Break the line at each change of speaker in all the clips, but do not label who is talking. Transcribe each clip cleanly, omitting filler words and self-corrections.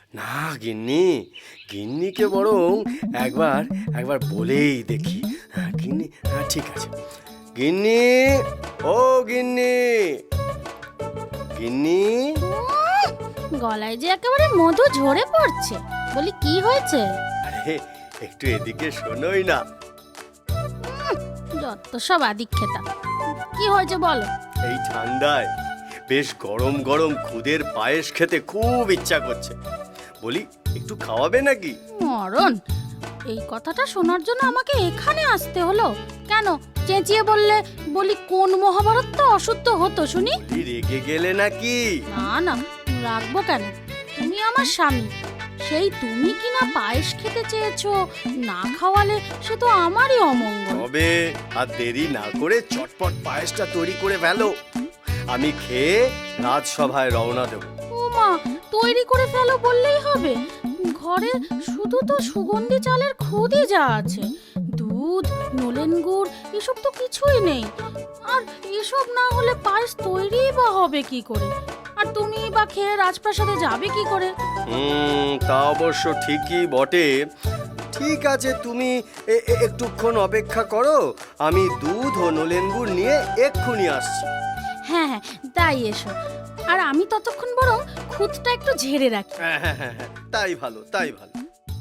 না গিন্নি, গিন্নিকে বরং একবার একবার বলেই দেখি। হ্যাঁ গিন্নি, হ্যাঁ ঠিক আছে। গিন্নি, ও গিন্নি, গিন্নি।
গলায় যে একেবারে মধু ঝরে পড়ছে। বলি কি হয়েছে?
আরে একটু এদিকে শোনোই না।
যত সব আদিক্ষেতা। কি হয়েছে বলো?
এই ঠান্ডায় বেশ গরম গরম খুদের পায়েস খেতে খুব ইচ্ছা করছে। বলি একটু খাওয়াবে নাকি?
মরণ, এই কথাটা শোনার জন্য আমাকে এখানে আসতে হলো কেন? চেঁচিয়ে বললে বলি কোন মহাভারত তো অশুদ্ধ হতো শুনি।
বলি রেগে গেলে নাকি?
না না, রাখবো কেন? তুমি আমার স্বামী, সেই তুমি কি না পায়েস খেতে চেয়েছো, না খাওয়ালে সে তো আমারই অমঙ্গল।
তবে আর দেরি না করে চটপট পায়েসটা তৈরি করে ফেলো, আমি খেয়ে রাজসভায় রওনা দেব।
ও মা, তৈরি করে ফেলো বললেই হবে? ঘরে শুধু তো সুগন্ধি চালের খুদই যা আছে, দুধ, নলেন গুড় এসব তো কিছুই নেই। আর এসব না হলে পায়েস তৈরি বা হবে কি করে? আর তুমি বা খেয়ে রাজপ্রাসাদে যাবে কি করে?
তা অবশ্য ঠিকই বটে। ঠিক আছে, তুমি একটুক্ষণ অপেক্ষা করো, আমি দুধ ও নলেন গুড় নিয়ে এক্ষুনি আসছি।
হ্যাঁ হ্যাঁ, তাই এসো। আর আমি ততক্ষণ বরং খুদটা একটু ঝেড়ে রাখি।
হ্যাঁ হ্যাঁ হ্যাঁ হ্যাঁ, তাই ভালো, তাই ভালো।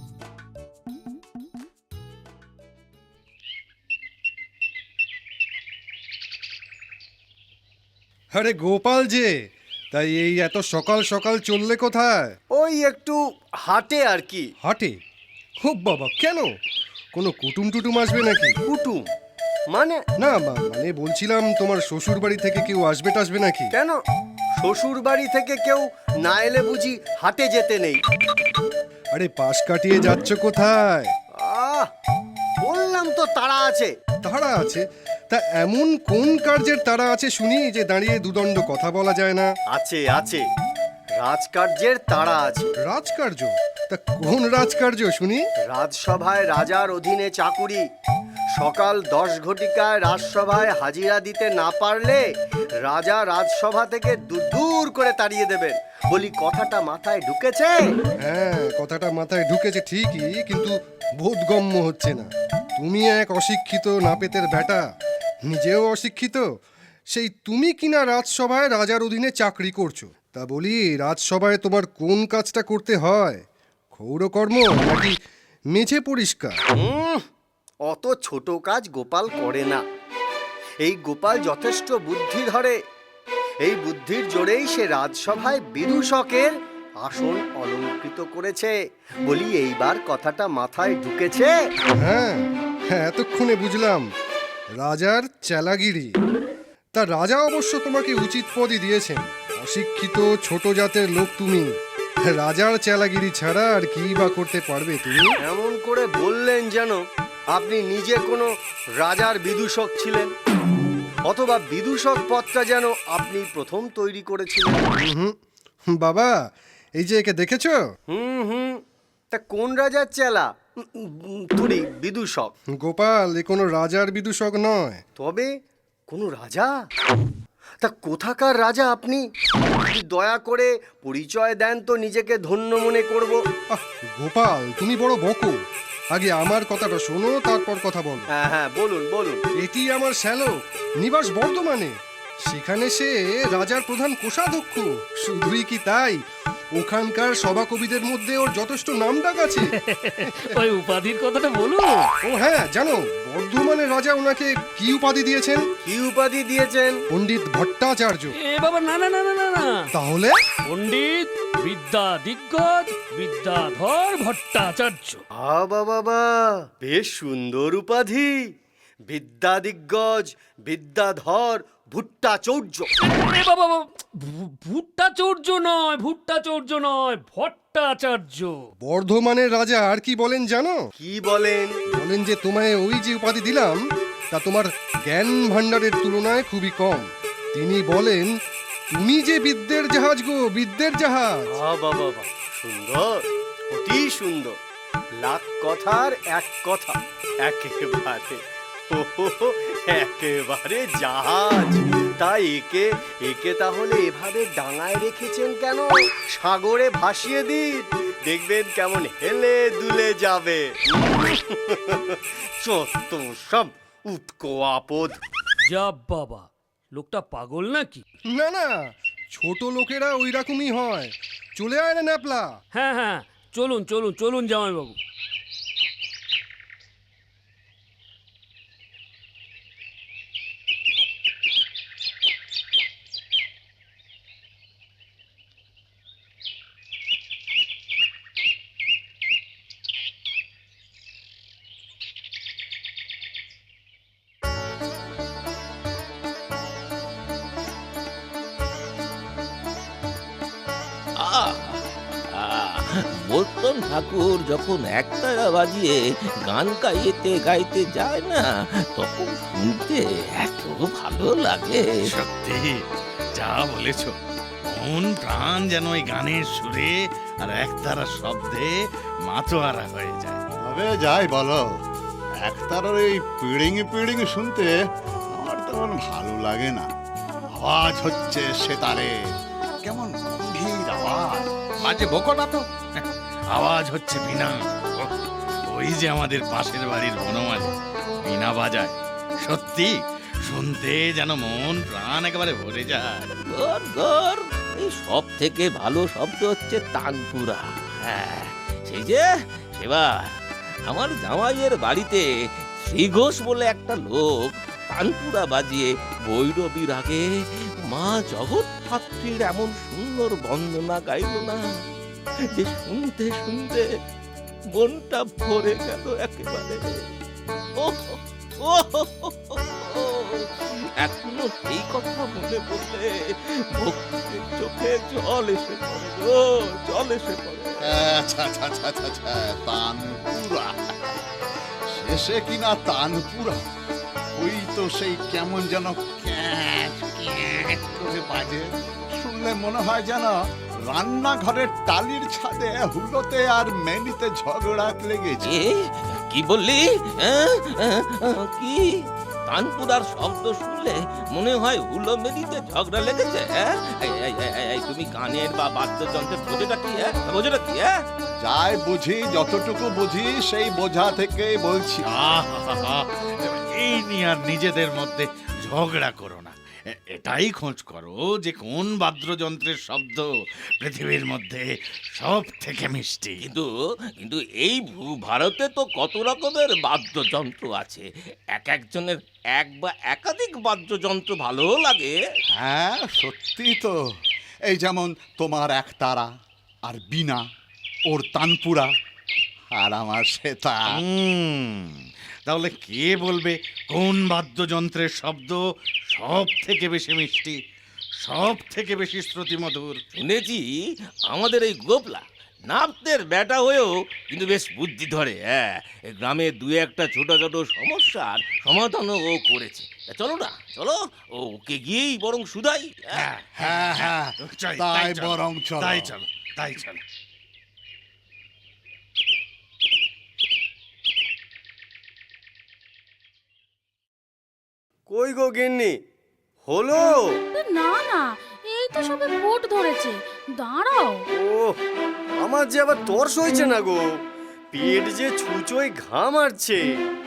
আরে গোপাল যে, তাই এই এত সকাল সকাল চললে কোথায়?
ওই একটু হাটে আর কি।
হাটে? খুব বাবা, কেন? কোনো কুটুম টুটুম আসবে নাকি?
কুটুম মানে?
না মানে বলছিলাম তোমার শ্বশুর বাড়ি থেকে কেউ আসবে টাসবে নাকি?
কেন, শ্বশুর বাড়ি থেকে কেউ না এলে বুঝি হাটে যেতে নেই?
আরে পাশ কাটিয়ে যাচ্ছ কোথায়?
আহ, বললাম তো তাড়া আছে।
তাড়া আছে? তা এমন কোন কার্যের তাড়া আছে শুনি যে দাঁড়িয়ে দুদণ্ড কথা বলা যায় না?
আছে আছে, রাজকার্যের তাড়া আছে।
রাজকার্য? তা কোন রাজকার্য শুনি?
রাজসভায় রাজার অধীনে চাকুরি, সকাল 10 ঘটিকায় রাজসভায় হাজিরা দিতে না পারলে রাজা রাজসভা থেকে দূর করে তাড়িয়ে দেবেন। বলি কথাটা মাথায় ঢুকেছে?
হ্যাঁ, কথাটা মাথায় ঢুকেছে ঠিকই, কিন্তু বোধগম্য হচ্ছে না। তুমি এক অশিক্ষিত নাপেতের বেটা, নিজেও অশিক্ষিত, সেই তুমি কিনা রাজসভায় রাজার অধীনে চাকরি করছো। তা বলি রাজসভায় তোমার কোন কাজটা করতে হয়? ক্ষৌরকর্ম নাকি মেঝে পরিষ্কার?
অত ছোট কাজ গোপাল করে না। এই গোপাল যথেষ্ট বুদ্ধি ধরে, এই বুদ্ধির জোরেই সে রাজসভায় বিদূষকের আসন অলঙ্কৃত করেছে। বলি এইবার কথাটা মাথায় ঢুকেছে?
হ্যাঁ হ্যাঁ, এতক্ষণে বুঝলাম, রাজার চেলাগিরি। তা রাজা অবশ্য তোমাকে উচিত পদই দিয়েছেন। অশিক্ষিত ছোট জাতের লোক তুমি, রাজার চেলাগিরি ছাড়া আর কি বা করতে পারবে তুমি?
এমন করে বললেন যেন আপনি নিজে কোনো রাজার বিদূষক ছিলেন, অথবা বিদূষক পদটা যেন আপনি প্রথম তৈরি করেছিলেন।
বাবা, এই যে একে দেখেছো?
হুম, তা কোন রাজার চেলা? তুরি বিদূষক?
গোপাল, এ কোনো রাজার বিদূষক নয়।
তবে কোনো রাজা? তা কোথাকার রাজা আপনি? যদি দয়া করে পরিচয় দেন তো নিজেকে ধন্য মনে করব।
আহ গোপাল, তুমি বড় বকো। আগে আমার কথাটা শোনো, তারপর কথা বলো।
হ্যাঁ হ্যাঁ, বলুন বলুন।
এটি আমার শ্যালক, নিবাস বর্ধমানে। সেখানে সে রাজার প্রধান কোষাধ্যক্ষ। শুধুই কি তাই, ওখানকার সভাকবিদের মধ্যে ওর যথেষ্ট নামডাক আছে।
ওই উপাধির কথাটা বলুন।
ও হ্যাঁ, জানো বর্ধমানের রাজা ওনাকে কি উপাধি দিয়েছেন?
কি উপাধি দিয়েছেন?
পণ্ডিত ভট্টাচার্য।
এ বাবা, না না না না না না,
তাহলে?
পণ্ডিত বিদ্যা দিগ্গজ বিদ্যাধর ভট্টাচার্য।
বাবা বাবা, বেশ সুন্দর উপাধি। বিদ্যা দিগ্গজ বিদ্যাধর ভট্টাচার্য।
এ বাবা, ভুট্টাচার্য নয়, ভুট্টাচার্য নয়, ভট্টাচার্য।
বর্ধমানের রাজা আর কি বলেন জানো?
কি বলেন?
বলেন যে তোমায় ওই যে উপাধি দিলাম তা তোমার জ্ঞান ভাণ্ডারের তুলনায় খুবই কম। তিনি বলেন তুমি যে বিদ্যের জাহাজ গো, বিদ্যের জাহাজ।
বাবা বাবা, সুন্দর, অতি সুন্দর। লাখ কথার এক কথা, একেবারে একেবারে জাহাজ। তাই একে একে তাহলে এভাবে ডাঙায় রেখেছেন কেন? সাগরে ভাসিয়ে দিন, দেখবেন কেমন হেলে দুলে যাবে। চত্ব সব উটকো আপদ।
যা বাবা, লোকটা পাগল নাকি?
না না, ছোট লোকেরা ওই রকমই হয়। চলে আয় না ন্যাপলা।
হ্যাঁ হ্যাঁ, চলুন চলুন চলুন জামাইবাবু।
বোলতন ঠাকুর যখন একটা বাজিয়ে গান গাইতে গাইতে যায় না, তখন শুনতে এত ভালো লাগে।
সত্যি যা বলেছ, মন প্রাণ যেন ওই গানের সুরে আর একতারা শব্দে মাতোয়ারা হয়ে যায়।
তবে যাই বলো, একতারার এই পিড়িঙি পিড়িঙি শুনতে আমার তেমন ভালো লাগে না। আওয়াজ হচ্ছে সেতারে, কেমন গম্ভীর আওয়াজ।
বাজে বকো না তো, আওয়াজ হচ্ছে বিনা। ওই যে আমাদের পাশের বাড়ির বনমালী বিনা বাজায়, সত্যি শুনতে যেন মন প্রাণ একেবারে ভরে যায়।
গর গর, এই সব থেকে ভালো শব্দ হচ্ছে তানপুরা। হ্যাঁ, সেই যে সেবার আমার জামাইয়ের বাড়িতে শ্রীঘোষ বলে একটা লোক তানপুরা বাজিয়ে ভৈরবীর আগে মা জগৎধাত্রীর এমন সুন্দর বন্দনা গাইল না, যে শুনতে শুনতে মনটা ভরে গেল একেবারে। এখনো সেই কথা মনে পড়লে ভক্তির চোখে জল এসে পড়ে গো, জল এসে পড়ে।
আচ্ছা আচ্ছা আচ্ছা আচ্ছা আচ্ছা, তানপুরা শেষে কিনা তানপুরা, ওই তো সেই কেমন যেন ক্যাঁচ ক্যাঁচ করে বাজে। শুনলে মনে হয় যেন রান্নাঘরের টালির ছাদে হুলোতে আর মেনিতে ঝগড়া লেগেছে।
কি বললি? কি তানপুরার শব্দ শুনলে মনে হয় হুলো মেলিতে ঝগড়া লেগেছে? তুমি গানের বা বাদ্যযন্ত্রের বোঝাটা কি? বোঝাটা কি?
যাই বুঝি, যতটুকু বুঝি সেই বোঝা থেকে বলছি।
আহা, এই নিয়ে আর নিজেদের মধ্যে ঝগড়া করো না। এটাই খোঁজ করো যে কোন বাদ্যযন্ত্রের শব্দ পৃথিবীর মধ্যে সব থেকে মিষ্টি।
কিন্তু কিন্তু এই ভারতে তো কত রকমের বাদ্যযন্ত্র আছে, এক একজনের এক বা একাধিক বাদ্যযন্ত্র ভালো লাগে।
হ্যাঁ সত্যি তো, এই যেমন তোমার একতারা আর বিনা, ওর তানপুরা, আর আমার সেতার।
তাহলে কে বলবে কোন বাদ্যযন্ত্রের শব্দ সব থেকে বেশি মিষ্টি, সব থেকে বেশি শ্রুতিমধুর?
শুনেছি আমাদের এই গোপলা নাপদের বেটা হয়েও কিন্তু বেশ বুদ্ধি ধরে। হ্যাঁ, এই গ্রামে দু একটা ছোটখাটো সমস্যার সমাধানও ও করেছে। চলো না, চলো ওকে গিয়েই বরং শুধাই।
হ্যাঁ
হ্যাঁ হ্যাঁ, তাই বরং চলো।
তাই চলো, তাই চলো।
কই গো গিন্নি, হলো?
না না, এই তো সবে ভোট ধরেছে, দাঁড়াও।
ও, আমার যে আবার তর্স হয়েছে না গো, পেট যে ছুঁচোয় ঘাম আসছে।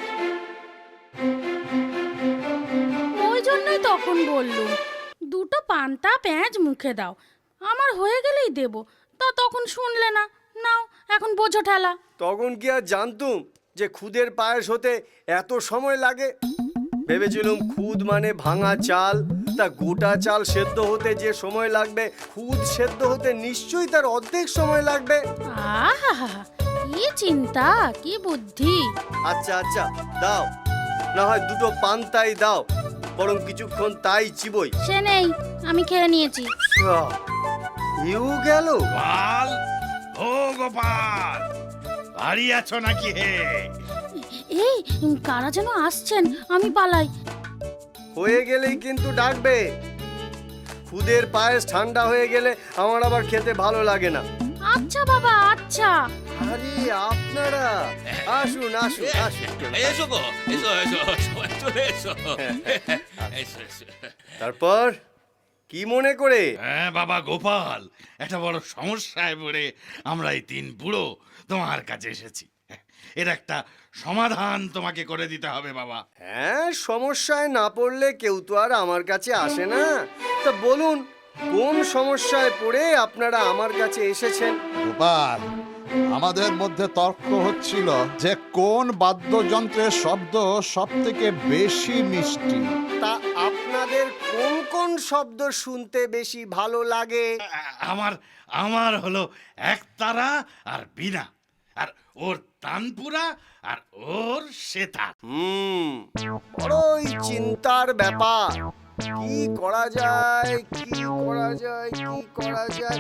ওই জন্যই তখন বললুম দুটো পান্তা পেঁয়াজ মুখে দাও, আমার হয়ে গেলেই দেব। তা তখন শুনলে না, নাও এখন বোঝো ঠেলা।
তখন কি আর জানতুম যে খুদের পায়েস হতে এত সময় লাগে? ভেবেছিলুম খুদ মানে ভাঙা চাল, তা গোটা চাল সেদ্ধ হতে যে সময় লাগবে, খুদ সেদ্ধ হতে নিশ্চয়ই তার অর্ধেক সময় লাগবে।
আহা, কি চিন্তা, কি বুদ্ধি।
আচ্ছা আচ্ছা দাও, না হয় দুটো পান্তাই দাও, বরং কিছুক্ষণ তাই চিবই।
সে নেই, আমি খেয়ে নিয়েছি।
এও গেল।
গোপাল, ও গোপাল, বাড়ি আছো নাকি হে?
এই কারা যেন আসছেন, আমি পালাই।
হয়ে গেলেই কিন্তু ডাকবে। খুদের পায়েস ঠান্ডা হয়ে গেলে আমার আবার খেতে ভালো লাগে না।
আচ্ছা বাবা, আচ্ছা।
আরে আপনারা আসুন আসুন আসুন।
এসো গো, এসো এসো, সবাই চলে এসো। এসো, এসো।
তারপর কি মনে করে?
হ্যাঁ বাবা গোপাল, একটা বড় সমস্যায় পড়ে আমরা এই তিন বুড়ো তোমার কাছে এসেছি। এর একটা সমাধান তোমাকে করে দিতে হবে বাবা।
হ্যাঁ, সমস্যায় না পড়লে কেউ তো আর আমার কাছে আসে না। তা বলুন, কোন সমস্যায় পড়ে আপনারা আমার কাছে এসেছেন?
গোপাল, আমাদের মধ্যে তর্ক হচ্ছিল যে কোন বাদ্যযন্ত্রের শব্দ সব থেকে বেশি মিষ্টি।
তা আপনাদের কোন কোন শব্দ শুনতে বেশি ভালো লাগে?
আমার আমার হলো একতারা আর বীণা, আর ওর তানপুরা আর ওর সেতার।
বড়ই চিন্তার ব্যাপার। কি করা যায়, কি করা যায়, কি করা যায়?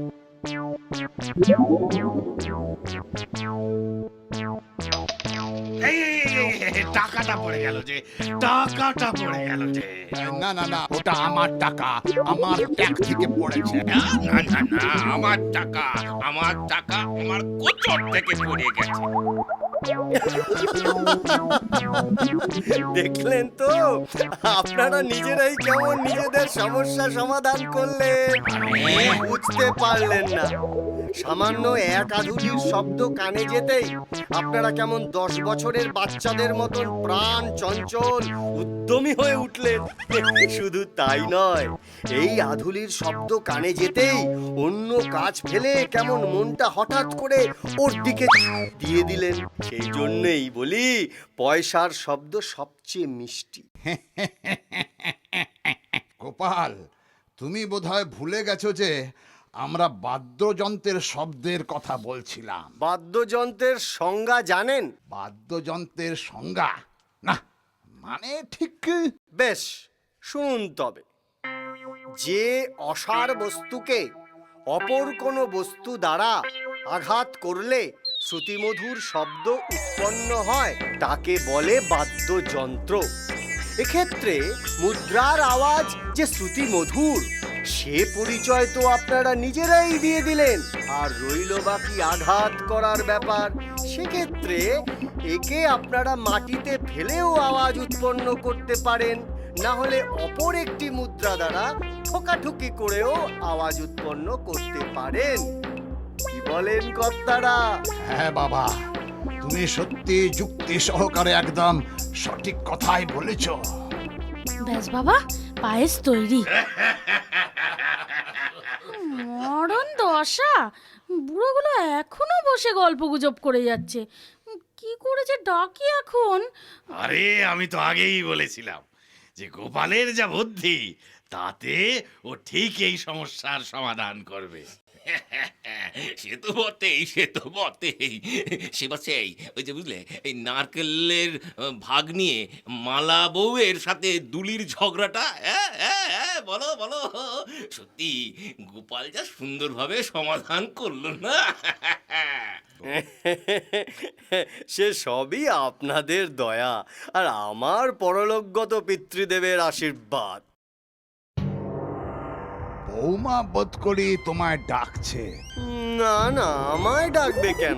টাকাটা পড়ে গেল যে, টাকাটা পড়ে গেল যে।
না না না, ওটা আমার টাকা, আমার ট্যাক্স থেকে পড়েছে।
না না না না, আমার টাকা আমার কোচর থেকে পড়ে গেছে।
দেখলেন তো, আপনারা নিজেরাই কেমন নিজেদের সমস্যা সমাধান করলেন। বুঝতে পারলেন না, সামান্য এক আধুলির শব্দ কানে যেতেই আপনারা কেমন 10 বছরের বাচ্চাদের মতন প্রাণ চঞ্চল উদ্যমী হয়ে উঠলেন। শুধু তাই নয়, এই আধুলির শব্দ কানে যেতেই অন্য কাজ ফেলে কেমন মনটা হঠাৎ করে ওর দিকে দিয়ে দিলেন। সেই জন্যই বলি, পয়সার শব্দ সবচেয়ে মিষ্টি।
গোপাল, তুমি বোধহয় ভুলে গেছো যে আমরা বাদ্যযন্ত্রের শব্দের কথা বলছিলাম।
বাদ্যযন্ত্রের সংজ্ঞা জানেন?
বাদ্যযন্ত্রের সংজ্ঞা না, মানে ঠিক
বেশ, শুনুন তবে। যে অসার বস্তুকে অপর কোনো বস্তু দ্বারা আঘাত করলে শ্রুতিমধুর শব্দ উৎপন্ন হয় তাকে বলে বাদ্যযন্ত্র। এক্ষেত্রে মুদ্রার আওয়াজ যে শ্রুতিমধুর, সে পরিচয় তো আপনারা নিজেরাই দিয়ে দিলেন। আর রইল বাকি আঘাত করার ব্যাপার। সেক্ষেত্রে একে আপনারা মাটিতে ফেলেও আওয়াজ উৎপন্ন করতে পারেন, না হলে অপর একটি মুদ্রা দ্বারা ঠোকাঠুকি করেও আওয়াজ উৎপন্ন করতে পারেন। কি বলেন কর্তারা?
হ্যাঁ বাবা, তুমি সত্যি যুক্তি সহকারে একদম সঠিক কথাই বলেছ।
ব্যাস বাবা, পায়েস তৈরি। মরণ দশা, বুড়োগুলো এখনো বসে গল্প গুজব করে যাচ্ছে। কি করে যে ডাকি এখন?
আরে আমি তো আগেই বলেছিলাম যে গোপালের যা বুদ্ধি, তাতে ও ঠিক এই সমস্যার সমাধান করবে।
সে তো বটেই, সে তো বটেই। সে বসেই ওই যে বুঝলে, এই নারকেলের ভাগ নিয়ে মালা বউয়ের সাথে দুলির ঝগড়াটা। বলো বলো, সত্যি গোপাল যা সুন্দরভাবে সমাধান করলো না।
সে সবই আপনাদের দয়া আর আমার পরলোকগত পিতৃদেবের আশীর্বাদ।
বৌমা বোধ করি তোমায় ডাকছে।
না না, আমায় ডাকবে কেন?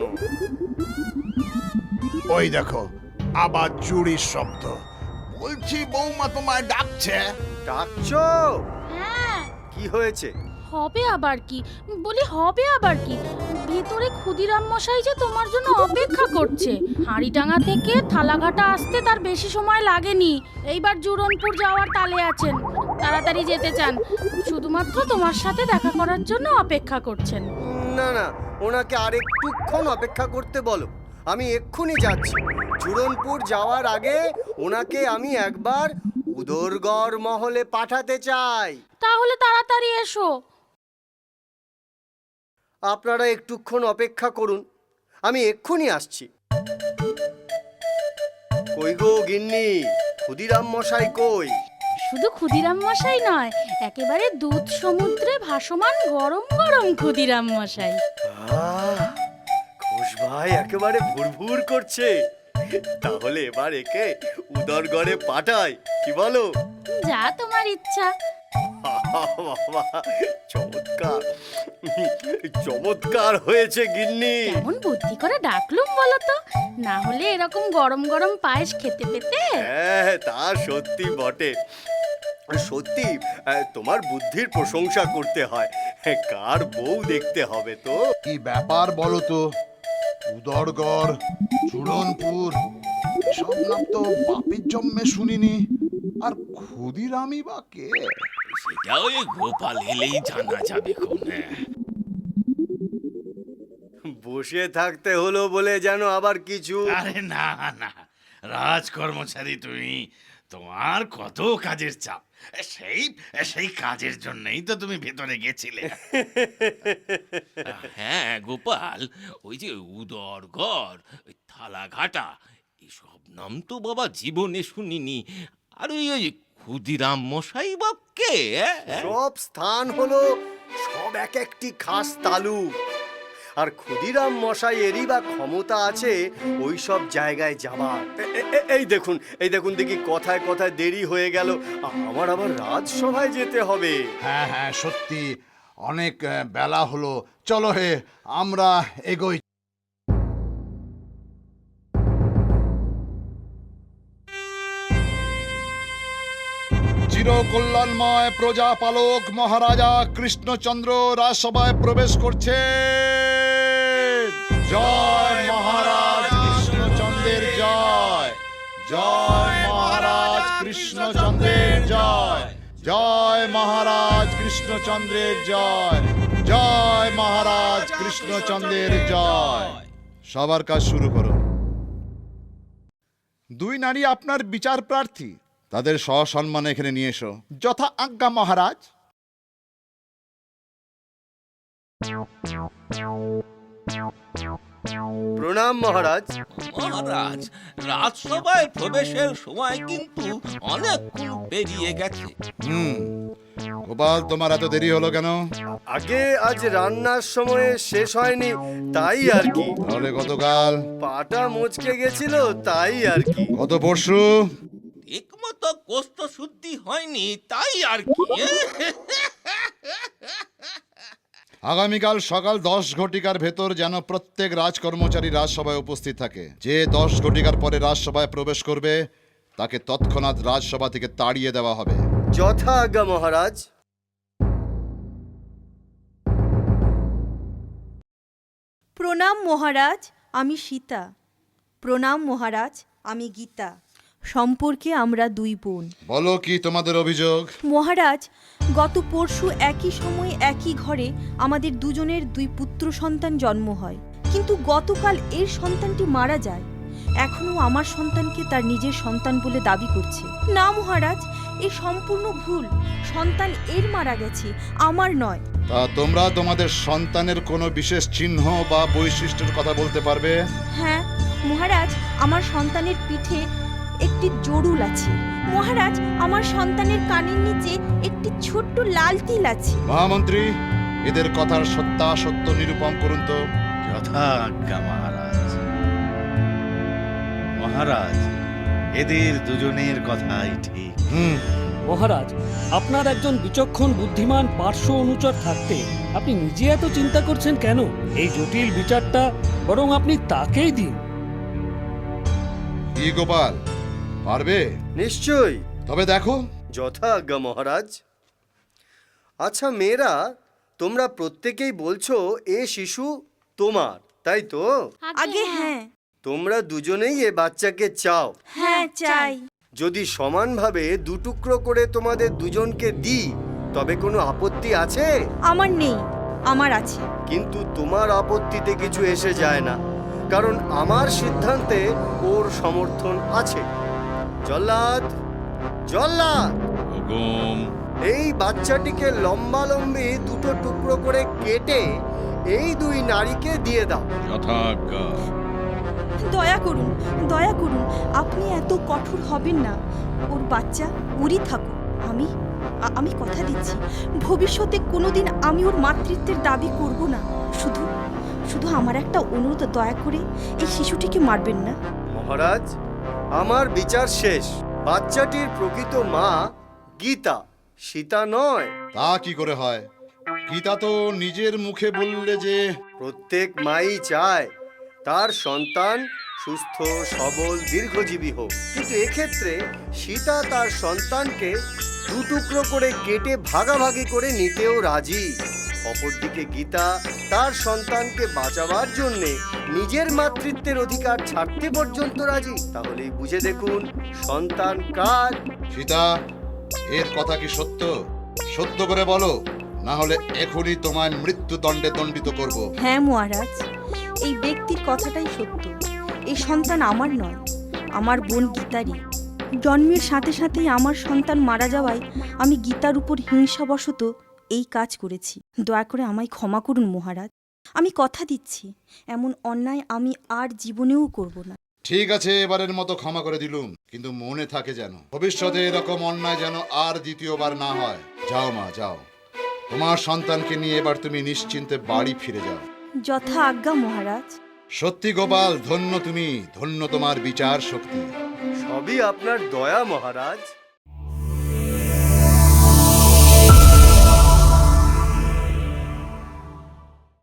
ওই দেখো, আবার চুরির শব্দ। বলছি বৌমা তোমায় ডাকছে।
ডাকছো?
হ্যাঁ,
কি হয়েছে?
হবে আবার কি? বলি হবে আবার কি? ভেতরে ক্ষুদিরাম মশাই যে তোমার জন্য অপেক্ষা করছে। হাঁড়িডাঙ্গা থেকে থালাঘাটা আসতে তার বেশি সময় লাগেনি। এইবার জুরনপুর যাওয়ার তালে আছেন, তাড়াতাড়ি যেতে চান। শুধুমাত্র তোমার সাথে দেখা করার জন্য অপেক্ষা করছেন।
না না, ওনাকে আরেকটুক্ষণ অপেক্ষা করতে বলো। আমি এক্ষুনি যাচ্ছি। জুরনপুর যাওয়ার আগে ওনাকে আমি একবার উদরগড় মহলে পাঠাতে চাই।
তাহলে তাড়াতাড়ি এসো।
আপনারা একটুক্ষণ অপেক্ষা করুন, আমি এক্ষুনি আসছি। কই গো গিন্নি, ক্ষুদিরাম মশাই কই?
শুধু ক্ষুদিরাম মশাই নয়, একেবারে দুধ সমুদ্রে ভাসমান গরম গরম ক্ষুদিরাম মশাই।
ঘোষ ভাই একেবারে ভুরভুর করছে। তাহলে এবার একে উদরগড়ে পাঠাই, কি বলো?
যা তোমার ইচ্ছা।
বাবা, চমৎকার চমৎকার হয়েছে গিন্নি।
কেমন বুদ্ধি করে ডাকলুম বলো তো, না হলে এরকম গরম গরম পায়েস খেতে পেতে।
হ্যাঁ, তা সত্যি বটে। সত্যি তোমার বুদ্ধির প্রশংসা করতে হয়। কার বউ দেখতে হবে তো।
কি ব্যাপার বলো তো? উদরগড়, চূড়নপুর, সব নাম তো বাপের জন্মে শুনিনি। আর ক্ষুদিরামই বা কে?
সেটা ওই গোপাল এলেই জানা যাবে কোনে।
বসে থাকতে হলো বলে যেন আবার কিছু।
আরে না না, রাজকর্মচারী তুমি, তোমার কত কাজের চাপ। সেই সেই কাজের জন্যই তো তুমি ভেতরে গেছিলে।
হ্যাঁ গোপাল, ওই যে উদরগড়, ওই থালাঘাটা, এসব নাম তো বাবা জীবনে শুনিনি। আর ওই ক্ষুদিরাম মশাই বা কে?
সব স্থান হলো সব এক একটি খাস তালু। আর ক্ষুদিরাম মশাই এরই বা ক্ষমতা আছে ওই সব জায়গায় যাবার। এই দেখুন দেখি কথায় কথায় দেরি হয়ে গেল, আমার আবার রাজসভায় যেতে হবে।
হ্যাঁ হ্যাঁ, সত্যি অনেক বেলা হলো। চলো হে, আমরা এগোই। চিরকল্যাণময় প্রজাপালক মহারাজা কৃষ্ণচন্দ্র রাজসভায় প্রবেশ করছে। জয় মহারাজ কৃষ্ণচন্দ্রের জয়, জয় মহারাজ কৃষ্ণচন্দ্রের জয়, জয় মহারাজ কৃষ্ণচন্দ্রের জয়, জয় মহারাজ কৃষ্ণচন্দ্রের জয়। সবার কাজ শুরু করো। দুই নারী আপনার বিচার প্রার্থী, তাদের সসম্মানে এখানে নিয়ে এসো। যথা আজ্ঞা মহারাজ।
প্রণাম মহারাজ।
মহারাজ, রাজসভায় প্রবেশের সময় কিন্তু অনেকক্ষণ পেরিয়ে গেছে।
গোপাল, তোমার এত দেরি হলো কেন?
আগে আজ রান্নার সময় শেষ হয়নি, তাই আর কি।
তাহলে গতকাল?
পাটা মচকে গেছিল, তাই আর কি।
গত পরশু?
ঠিক মতো কোষ্ঠ শুদ্ধি হয়নি, তাই আর কি।
আগামীকাল সকাল 10 ঘটিকার ভেতর যেন প্রত্যেক রাজকর্মচারী রাজসভায় উপস্থিত থাকে। যে 10 ঘটিকার পরে রাজসভায় প্রবেশ করবে তাকে তৎক্ষণাৎ রাজসভা থেকে তাড়িয়ে দেওয়া হবে।
যথা আজ্ঞা মহারাজ।
প্রণাম মহারাজ, আমি সীতা। প্রণাম মহারাজ, আমি গীতা। সম্পর্কে আমরা দুই বোন।
বলো কি তোমাদের অভিযোগ?
মহারাজ, গত পরশু একই সময়ে একই ঘরে আমাদের দুজনের দুই পুত্র সন্তান জন্ম হয়, কিন্তু গতকাল এর সন্তানটি মারা যায়। এখনো আমার সন্তানকে তার নিজের সন্তান বলে দাবি করছে। না মহারাজ, এ সম্পূর্ণ ভুল। সন্তান এর মারা গেছে, আমার নয়।
তা তোমরা তোমাদের সন্তানের কোনো বিশেষ চিহ্ন বা বৈশিষ্ট্যের কথা বলতে পারবে?
হ্যাঁ মহারাজ, আমার সন্তানের পিঠে একটি জরুল আছে। মহারাজ, আমার সন্তানের কানের নিচে একটি ছোট্ট লাল তিল আছে।
মহামন্ত্রী, এদের কথার সত্যাসত্য নিরূপণ করুন তো।
যথা আজ্ঞা মহারাজ। মহারাজ, এদের দুজনের কথাই ঠিক।
মহারাজ, আপনার একজন বিচক্ষণ বুদ্ধিমান পার্শ্ব অনুচর থাকতে আপনি নিজে এত চিন্তা করছেন কেন? এই জটিল বিচারটা বরং আপনি তাকেই দিন।
কি গোপাল, পারবে?
নিশ্চয়ই।
তবে দেখো।
যথা আজ্ঞা মহারাজ। আচ্ছা মেয়েরা, তোমরা প্রত্যেকেই বলছো এ শিশু তোমার, তাই তো?
আগে হ্যাঁ।
তোমরা দুজনেই এ বাচ্চাকে চাও?
হ্যাঁ চাই।
যদি সমানভাবে দুটুকরো করে তোমাদের দুজনকে দিই তবে কোনো আপত্তি আছে?
আমার নেই, আমার আছে।
কিন্তু তোমার আপত্তিতে কিছু এসে যায় না, কারণ আমার সিদ্ধান্তে ওর সমর্থন আছে। জল্লাদ, জল্লাদ,
হুকুম।
এই বাচ্চাটিকে লম্বালম্বি দুটো টুকরো করে কেটে এই দুই নারীকে দিয়ে দাও।
যথা আজ্ঞা।
দয়া করুন, দয়া করুন, আপনি এত কঠোর হবেন না। ওর বাচ্চা ওরই থাকুক। আমি কথা দিচ্ছি, ভবিষ্যতে কোনোদিন আমি ওর মাতৃত্বের দাবি করব না। শুধু আমার একটা অনুরোধ, দয়া করে এই শিশুটিকে মারবেন না।
মহারাজ, আমার বিচার শেষ। বাচ্চাটির প্রকৃত মা গীতা, সীতা নয়।
তা কি করে হয়? গীতা তো নিজের মুখে বললে যে
প্রত্যেক মাই চায় তার সন্তান সুস্থ সবল দীর্ঘজীবী হোক, কিন্তু এক্ষেত্রে সীতা তার সন্তানকে দু টুকরো করে কেটে ভাগাভাগি করে নিতেও রাজি। অপরদিকে গীতা তার সন্তানকে বাঁচাবার জন্যে নিজের মাতৃত্বের অধিকার ছাড়তে পর্যন্ত রাজি। তাহলেই বুঝে দেখুন সন্তান কার।
সীতা, এর কথা কি সত্য? সত্য করে বলো, না হলে এখনই তোমায় মৃত্যুদণ্ডে দণ্ডিত করব।
হ্যাঁ মহারাজ, এই ব্যক্তির কথাটাই সত্য। এই সন্তান আমার নয়, আমার বোন গীতারই। জন্মের সাথে সাথেই আমার সন্তান মারা যাওয়ায় আমি গীতার উপর হিংসাবশত এই কাজ করেছি। দয়া করে আমায় ক্ষমা করুন মহারাজ। আমি কথা দিচ্ছি এমন অন্যায় আমি আর জীবনেও করব না।
ঠিক আছে, এবারের মতো ক্ষমা করে দিলুম, কিন্তু মনে থাকে যেন ভবিষ্যতে এরকম অন্যায় যেন আর দ্বিতীয়বার না হয়। যাও মা, যাও। তোমার সন্তানকে নিয়ে এবার তুমি নিশ্চিন্তে বাড়ি ফিরে যাও।
যথা আজ্ঞা মহারাজ।
সত্যি গোপাল, ধন্য তুমি, ধন্য তোমার বিচার শক্তি।
সবই আপনার দয়া মহারাজ।